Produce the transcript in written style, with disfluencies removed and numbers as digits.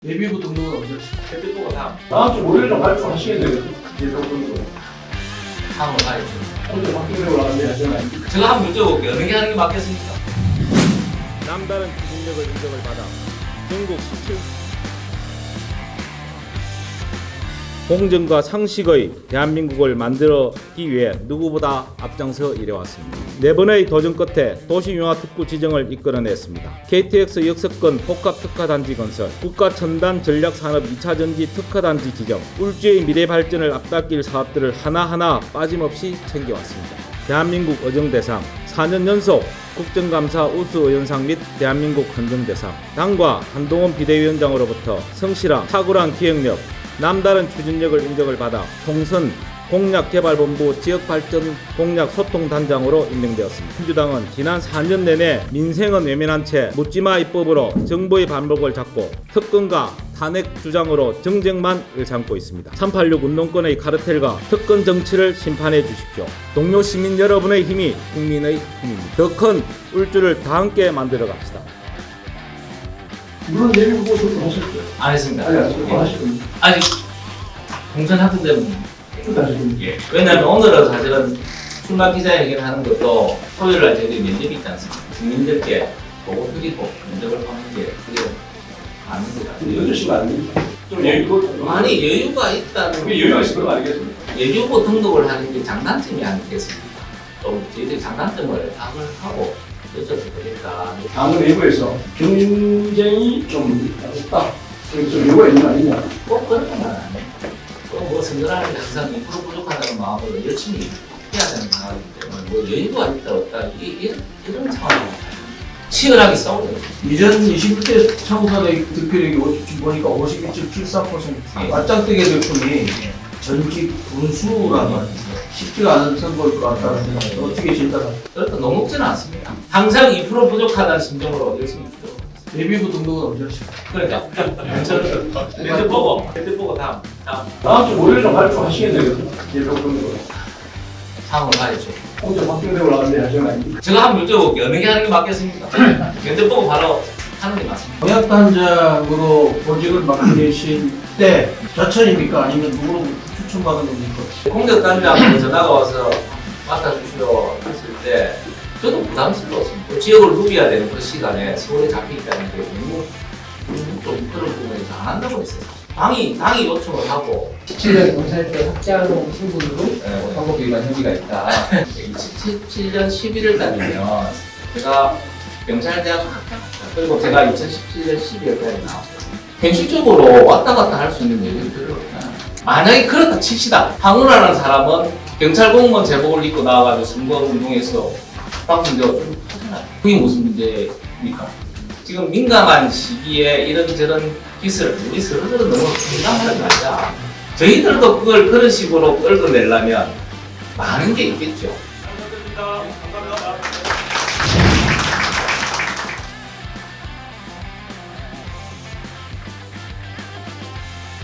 예비부 등록은 언제 하시죠? 대표가 다 다음 주 월요일에 발표하시겠네요. 예비부 등록. 상으로 가야죠. 오늘 박근혜로 나왔는데 하잖아요. 제가 한번 여쭤볼게요. 어느 게 하는 게 맞겠습니까? 남다른 추진력을 인정을 받아 전국 17 공정과 상식의 대한민국을 만들기 위해 누구보다 앞장서 일해왔습니다. 4번의 도전 끝에 도시융화특구 지정을 이끌어냈습니다. KTX 역세권 복합특화단지 건설, 국가첨단전략산업 2차전지 특화단지 지정, 울주의 미래 발전을 앞당길 사업들을 하나하나 빠짐없이 챙겨왔습니다. 대한민국 의정대상, 4년 연속 국정감사 우수의원상 및 대한민국 헌정대상, 당과 한동훈 비대위원장으로부터 성실한 탁월한 기획력, 남다른 추진력을 인정을 받아 통선 공약개발본부 지역발전 공약소통단장으로 임명되었습니다. 민주당은 지난 4년 내내 민생은 외면한 채 묻지마 입법으로 정부의 반복을 잡고 특권과 탄핵 주장으로 정쟁만 일삼고 있습니다. 386 운동권의 카르텔과 특권 정치를 심판해 주십시오. 동료 시민 여러분의 힘이 국민의 힘입니다. 더 큰 울주를 다 함께 만들어 갑시다. 물론 예비부 등록하셨죠? 안 했습니다. 아니, 아직 하실 겁니다. 아직 공천하던 데는 또 하실 겁니다. 예. 왜냐하면 오늘은 사실은 출마 기자회견 하는 것도 토요일 날 저희들이 면접이 있지 않습니까? 국민들께 보고 드리고 면접을 하는 게 그게 아닙니다. 늦으시면 안 됩니다. 좀 여유도 아니 여유가 있다는 그게 여유가 있을 거 아니겠습니까? 예비후 등록을 하는 게 장단점이 아니겠습니까? 좀 저희들이 장단점을 파악을 하고 여쭤도 되겠다. 당은 내부에서 경쟁이 좀 없다. 그래서 좀 요구가 있는 거 아니냐. 꼭 그런 건 아니에요. 뭐 선거라는 게 항상 2% 부족하다는 마음으로 열심히 해야 되는 상황이기 때문에 뭐 여유가 있다 없다 이런 상황이 치열하게 싸우는 거죠. 2021대 청소년의 득표력이 지금 보니까 51.74%. 맞짱뜨게 될 분이 전직 군수라는 말이죠. 쉽지가 않은 선거일 것 같다는 생각이 어떻게 진단하세요? 그렇다 녹록지는 않습니다. 항상 2% 부족하다는 심정으로 열심히 있죠. 예비부 등록은 언제 하시죠? 그러니까 면접 보고 다음 다음 주 월요일에 발표하시겠네요. 예비부 등록. 상으로 가야죠. 오늘 박근혜로 나왔는데 하잖아요. 제가 한번 여쭤볼게요. 어느 게 하는 게 맞겠습니까? 면접 보고 바로 하는 게 맞습니다. 공약단장으로 보직을 맡고 계신 때 자천입니까? 아니면 누구로부터 추천받은 겁니까? 공격단장으로 전화가 와서 맡아주시오 했을 때 저도 부담스러웠습니다. 지역을 누벼야 되는 그 시간에 서울에 잡혀있다는 게 너무 좀 그런 부분에서 안 한다고 했어요. 당이 요청을 하고 17년 경찰대 학장 신분으로 네. 선거 위반 혐의가 있다. 2017년 11월 달이면 제가 경찰대학 합격했어요. 그리고 제가 2017년 12월 달에 나왔어요. 현실적으로 왔다 갔다 할 수 있는 여유는 별로 없잖아요. 만약에 그렇다 칩시다. 황운하라는 사람은 경찰 공무원 제복을 입고 나와가지고 선거운동에서 박순대가 좀 하잖아요. 그게 무슨 문제입니까? 지금 민감한 시기에 이런저런 기술, 우리 서로서로 너무 민감하지 말자. 저희들도 그걸 그런 식으로 끌어내려면 많은 게 있겠죠. 감사합니다. 감사합니다.